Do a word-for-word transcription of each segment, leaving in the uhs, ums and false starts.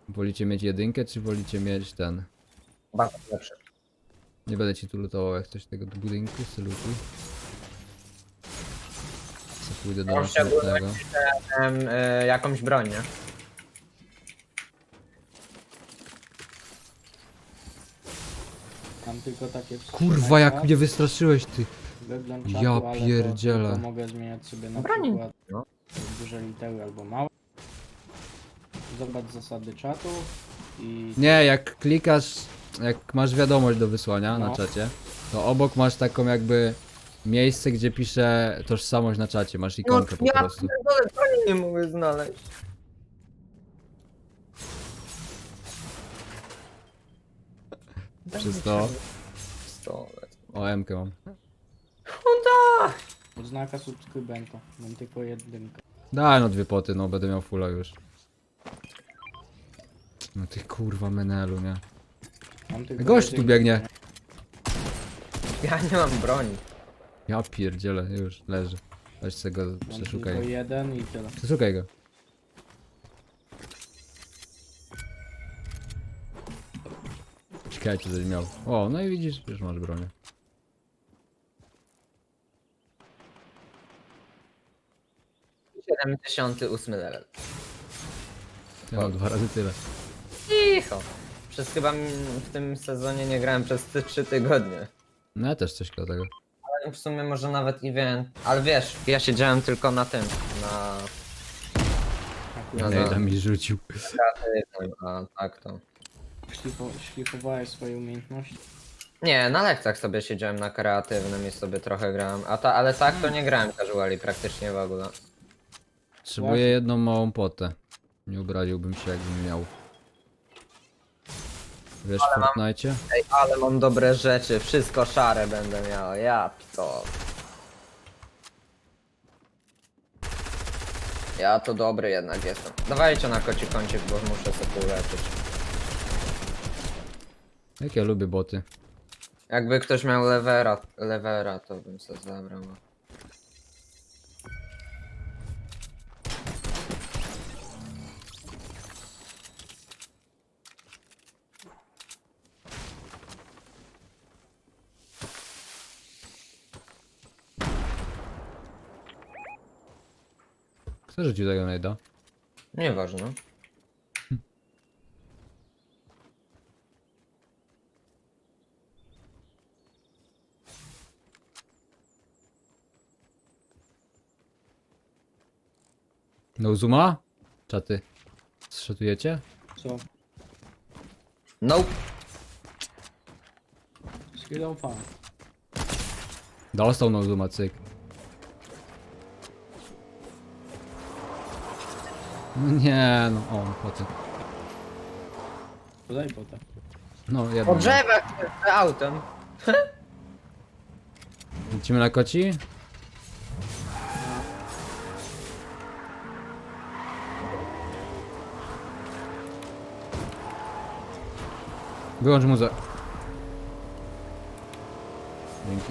Wolicie mieć jedynkę, czy wolicie mieć ten? Bardzo lepszy. Nie będę ci tu lutował jak coś tego do budynku, salutuj. Co pójdę do Ja następnego. Miałem y, jakąś broń, nie? Mam tylko takie Kurwa, jak wstrzymania, mnie wystraszyłeś ty. wygląd Ja czatu, ale to pierdzielę. tylko mogę zmieniać sobie na Broni. przykład No. duże litery albo małe. Zobacz zasady czatu i Nie, jak klikasz, jak masz wiadomość do wysłania na No. czacie, to obok masz taką jakby miejsce, gdzie pisze tożsamość na czacie, masz ikonkę po ja prostu. pierdolę, broni nie mogę znaleźć. Przez to Pistolet. o M-kę mam. Honda! odznaka subskrybenta. Mam tylko jedynkę. Daj no dwie poty, no będę miał fulla już. No ty kurwa menelu, nie? Mam tylko Gość tu jedynkę, biegnie. nie? Ja nie mam broni. Ja pierdzielę, już leży. Weź sobie go, Mam przeszukaj tylko go. jeden i tyle. Przeszukaj go. Czekajcie, coś miał. O, no i widzisz, już masz bronię. siedemdziesiąty ósmy level. Ja mam dwa razy tyle. Cicho. Przez chyba m- w tym sezonie nie grałem przez te trzy tygodnie. No ja też coś koło tego. Ale w sumie może nawet i wiem. Ale wiesz, ja siedziałem tylko na tym, na Akurat No Nie, tak. tam mi rzucił. kreatywnym, a tak to. szlifo, szlifowałeś swoje umiejętności. Nie, na lekcjach sobie siedziałem na kreatywnym i sobie trochę grałem. A ta, ale tak to nie grałem casuali praktycznie w ogóle. Potrzebuję Właśnie. jedną małą potę. Nie obraziłbym się, jakbym miał. Wiesz, w Fortnite? Ej, ale mam dobre rzeczy, wszystko szare będę miał, ja to. Ja to dobry jednak jestem. Dawajcie na koci kącik, bo muszę sobie uleczyć. Jak ja lubię boty. Jakby ktoś miał levera, levera to bym sobie zabrał. Kto rzucił tego najda? Nieważne. No Zuma? Czaty. Zszatujecie? Co? Nope. Z chwilą fan. Dostał no Zuma, cyk. No nie, no o, poty. Podaj potem. No, jedno. Po mam. drzewach z autem. Lecimy na koci? Wyłącz muzę. Dzięki.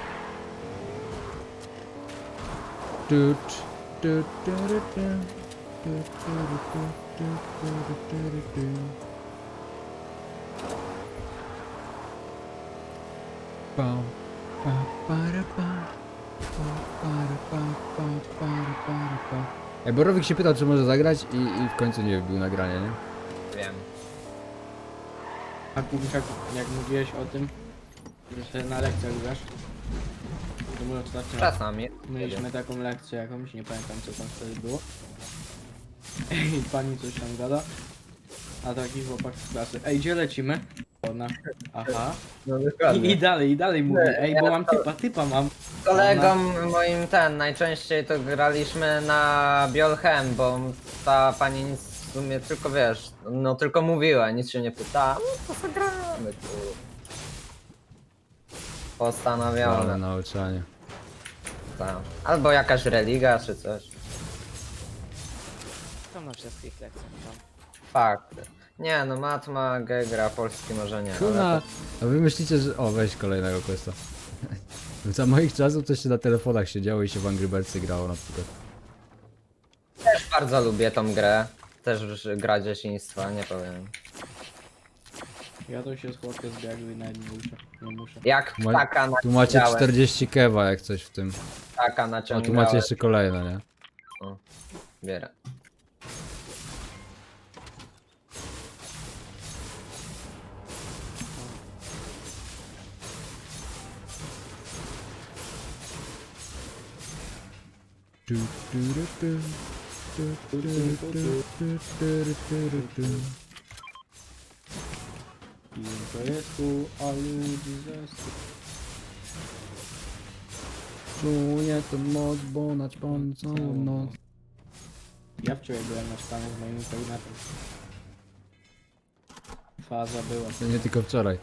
Tut, tut, tut, tut, tut, tut, tut, tut, tut, tut. Pam, pa, para, pa. Pa, para, pa, pa, para, para, pa. Ej, Borowik się pytał, czy może zagrać i, i w końcu nie wbił nagranie, nie? Wiem. A jak, jak mówiłeś o tym, że sobie na lekcjach grasz, to my ostatnio Czasami. mieliśmy taką lekcję jakąś, nie pamiętam co tam wtedy było. I pani coś tam gada, a taki chłopak z klasy, ej gdzie lecimy? Ona, aha. No I, I dalej, i dalej mówi, Nie, ej ja bo mam to- typa, typa mam. Z kolegą moim ten, najczęściej to graliśmy na Biolchem, bo ta pani nic w sumie tylko wiesz, no tylko mówiła, nic się nie pytała, no to zagramy tu. Ale Postanowione, nauczanie. tak. Albo jakaś religia czy coś. Tam na wszystkich lekcjach tam. Fakt. Nie no, matma, gej gra, polski może nie. Kuna, Ale a wy myślicie, że... O, weź kolejnego questa. Za moich czasów to się na telefonach siedziało i się w Angry Birdsy grało na przykład. też bardzo lubię tą grę. też gra dzieciństwa, nie powiem. Ja to się z chłopkiem zbiegł i nawet nie muszę. Nie muszę. Jak Ma- ptaka Tu macie naciągałem, czterdzieści kewa jak coś w tym. ptaka A tu naciągałem. macie jeszcze kolejne, nie? Bierę. Tu, tu, ru, tu. Tu, tu, ru, tu, tu, tu, ru, tu, ru, tu. I to jest tu, a ludzi zesty. Czuję tę moc, bo naćpam całą noc. Ja wczoraj byłem na stanie z moim koordynatem. Faza była. To nie tylko wczoraj.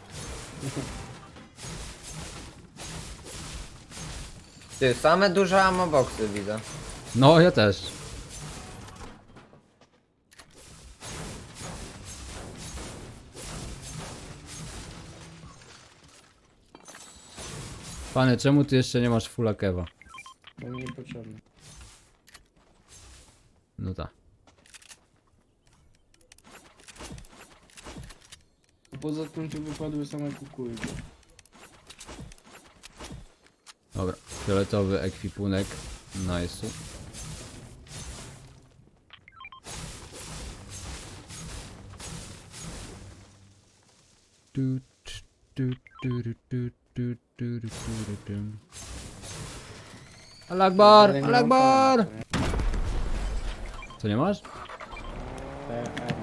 Ty, same duże amoboxy widzę. No, ja też. Panie, czemu ty jeszcze nie masz fulla kewa? Bo mi niepotrzebne. No tak. Poza tym tu wypadły same kukurydzy. Dobra, fioletowy ekwipunek. Nice. Tu, tsz, tu, tu, ru, tu, tu, tu, ru, tu, ru, tu. Al-Akbar! Ale nie mam Al-Akbar! pana, co nie? Co nie masz? P M.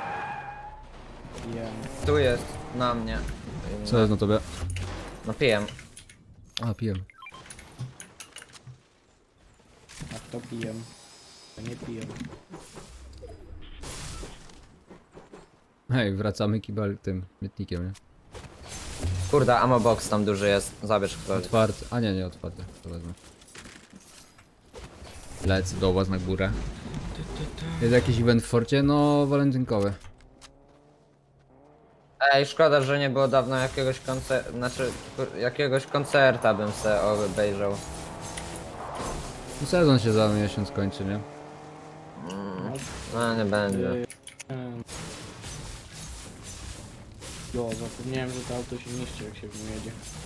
Jem. Tu jest, na mnie. Co jest na tobie? No pijem. A, piję. A kto pijem? To nie pijem. Hej, wracamy kibel tym śmietnikiem, nie? Kurde, amobox tam duży jest. Zabierz ktoś. Otwarty. A nie, nie otwarty. To wezmę. Lecę do was na górę. Jest jakiś event w forcie? No, walentynkowy. Ej, szkoda, że nie było dawno jakiegoś koncertu, znaczy kur- jakiegoś koncerta bym se obejrzał. No, sezon się za miesiąc kończy, nie? No nie będzie. Yy, em. Jo, zapomniałem, że to auto się niszczy, jak się w nim jedzie.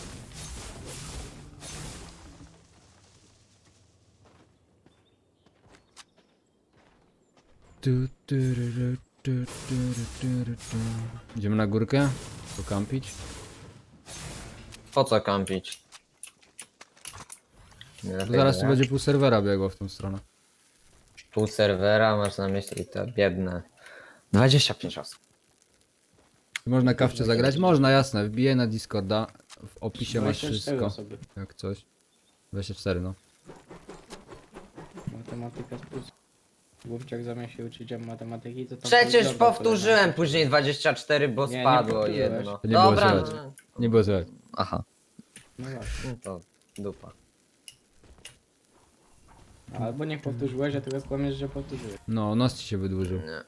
Tu, tu, ru, ru, tu, tu, ru, tu, ru, tu. Idziemy na górkę? Pokampić? Po co kampić? Nie Bo lepiej zaraz tu grać? będzie pół serwera biegło w tą stronę. Pół serwera, masz na myśli te biedne. dwadzieścia pięć osób. Można kawcie zagrać? Można, jasne. Wbijaj na Discorda. W opisie masz dwadzieścia cztery wszystko. osoby. Jak coś. dwadzieścia cztery, no. Matematyka z plus. Głupciak zamiast się uczyć matematyki, to tam Przecież coś dobra powtórzyłem polega. później dwadzieścia cztery, bo Nie, nie spadło powtórzyłeś. jedno. To nie było Dobra, słychać. no, Nie było słychać. aha, No właśnie. no to dupa. Albo nie powtórzyłeś, a teraz kłamiesz, że powtórzyłeś. No, nos ci się wydłużył. Nie.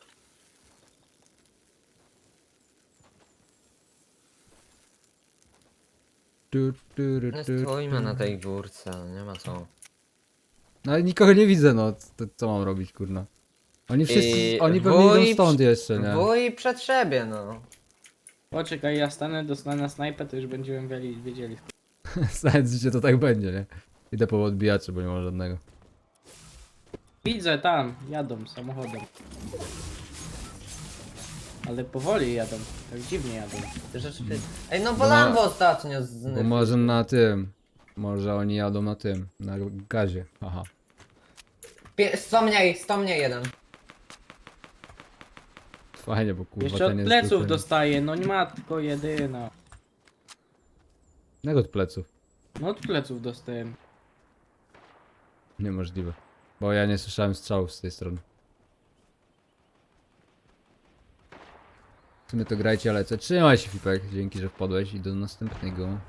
Tu, tu, ru, Nie tu, stoimy tu. na tej górce, nie ma co. No ale nikogo nie widzę, no. Co, co mam robić, kurna? Oni wszyscy, I oni pewnie wuj idą stąd przy- jeszcze, nie? Wuj przed siebie, no. Poczekaj, ja stanę, dostanę na snajpę, to już będziemy wiedzieli. wiedzieli. Znając życie to tak będzie, nie? Idę po odbijacze, bo nie ma żadnego. Widzę tam, jadą samochodem. Ale powoli jadą, tak dziwnie jadą. Rzeczywiście. Ej, no Bo bo na- Lambo ostatnio z... Bo może na tym. Może oni jadą na tym. Na gazie. Aha. Pie- sto mniej, sto mniej jeden. Fajnie, bo kurwa Jeszcze od ten jest pleców zupełnie- dostaję, no nie matko jedyna. Jak od pleców? No od pleców dostałem. Niemożliwe. Bo ja nie słyszałem strzałów z tej strony. W sumie to grajcie, ale co? Trzymaj się, Fipek. Dzięki, że wpadłeś i do następnego.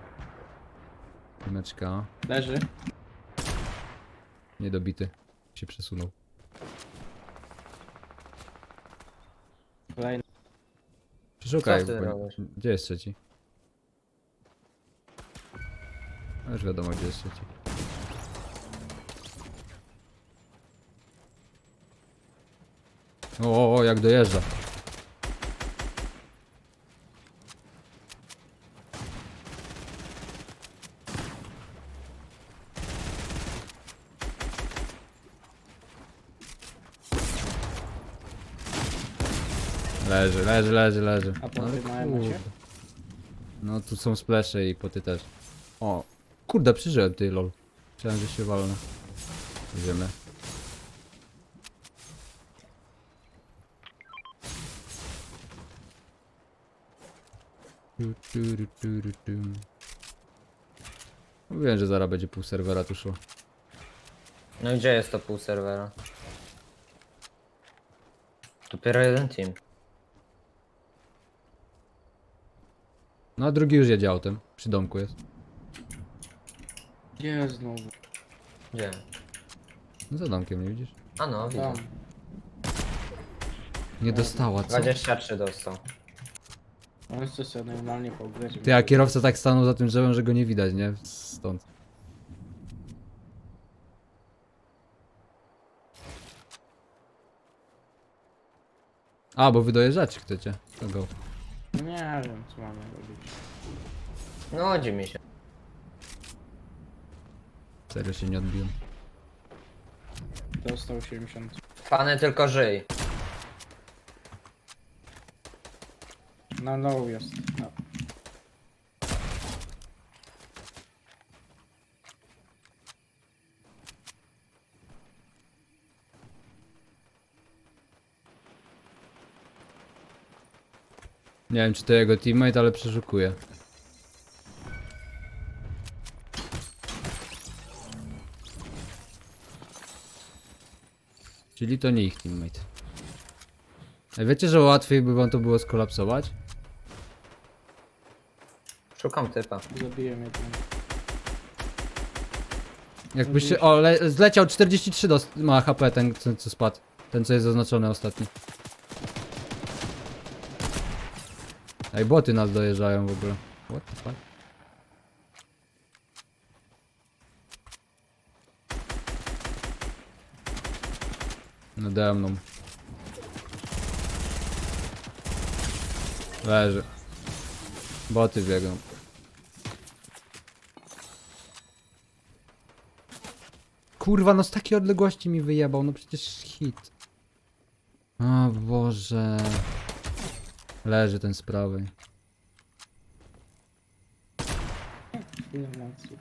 Meczka. Leży. Niedobity. Się przesunął. Kolejny. Przeszukaj. Co ty bo- robisz? Gdzie jest trzeci? A już wiadomo, gdzie jest trzeci. O, o, jak dojeżdża. Leży, leży, leży, leży. A poty Ale małe kurde. macie? No tu są splesze i poty też. O, kurde, przeżyłem ty lol. Myślałem, że się walnę. Idziemy. Tu, tu, tu, tu, tu, tu. Mówiłem, że zaraz będzie pół serwera tu szło. No i gdzie jest to pół serwera? Dopiero jeden team. No a drugi już jedzie autem. Przy domku jest. Gdzie znowu? Gdzie? No za domkiem, nie widzisz? A no, widzę. Tam. Nie dostała, co? dwadzieścia trzy dostał. On chce sobie normalnie pograć. Ty, a kierowca tak stanął za tym drzewem, że go nie widać, nie? Stąd. A, bo wy dojeżdżacie chcecie. To go. Nie wiem co mamy robić. No, chodzi mi się. Serio się nie odbiłem. Dostał siedemdziesiąt. Fany tylko żyj. Na low jest. No. Nie wiem, czy to jego teammate, ale przeszukuje. Czyli to nie ich teammate. A wiecie, że łatwiej by wam to było skolapsować? Szukam typa. Zabiję mnie tam. Jakbyście... O, le, zleciał czterdzieści trzy do, ma H P ten, co, co spadł. Ten, co jest zaznaczony ostatni. Ej, boty nas dojeżdżają w ogóle. What the fuck? Nade mną. Leży. Boty biegną. Kurwa, no z takiej odległości mi wyjebał, no przecież hit. O Boże. Leży ten z prawej. Chwilę mocy.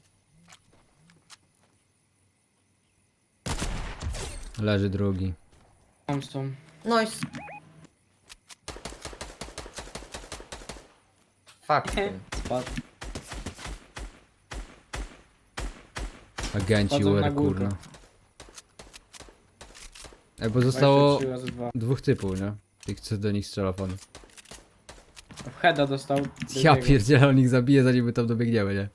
Leży drugi. Tam są. Nice. Fuck tym. Spadł. Agenci Wchodzą U na R, górkę. kurna. Ej, bo zostało dwadzieścia trzy razy dwa. dwóch typów, nie? Tych, co do nich strzela fan. W heada dostał. Ja drugiego. pierdzielę, on ich zabije, zanim my tam dobiegniemy, nie?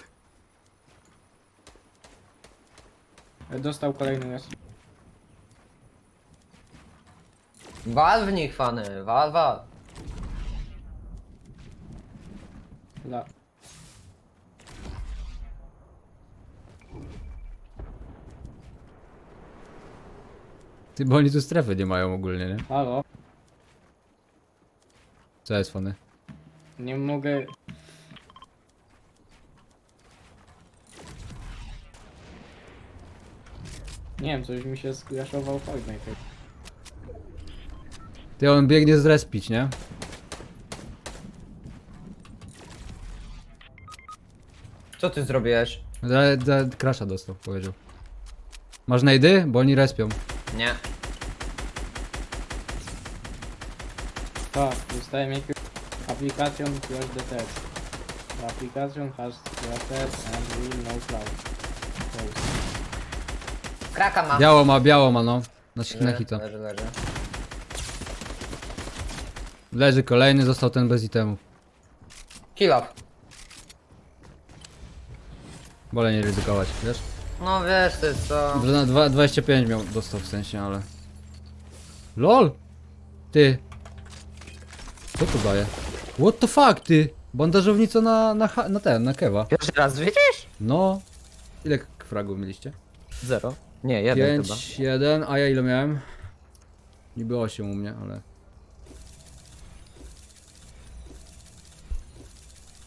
Dostał kolejny jest. Wal w nich, fany. Wal, wal. La. Ty, bo oni tu strefy nie mają ogólnie, nie? Halo? Co jest fany? Nie mogę. Nie wiem, coś mi się skraszował Fortnite. Ty, on biegnie zrespić, nie? Co ty zrobiłeś? Da, da, crasha dostał, powiedział. Masz najdy? Bo oni respią. Nie. Tak, dostałem jakąś aplikację crash detect. The application has crashed and will no cloud. Close. Kraka ma. Biało ma, biało ma, no. Na, na Leży, hita. leży, leży. Leży kolejny, został ten bez itemów. Kill off. Wolę nie ryzykować, wiesz? No wiesz ty co. Że na dwa- dwadzieścia pięć miał, dostał w sensie, ale... LOL! Ty! Co to daje? What the fuck, ty? Bandażownica na, na, ha- na ten, na kewa. Pierwszy raz widzisz? No. Ile k- fragów mieliście? Zero. Nie, jeden chyba. pięć, jeden, a ja ile miałem? Niby osiem u mnie, ale...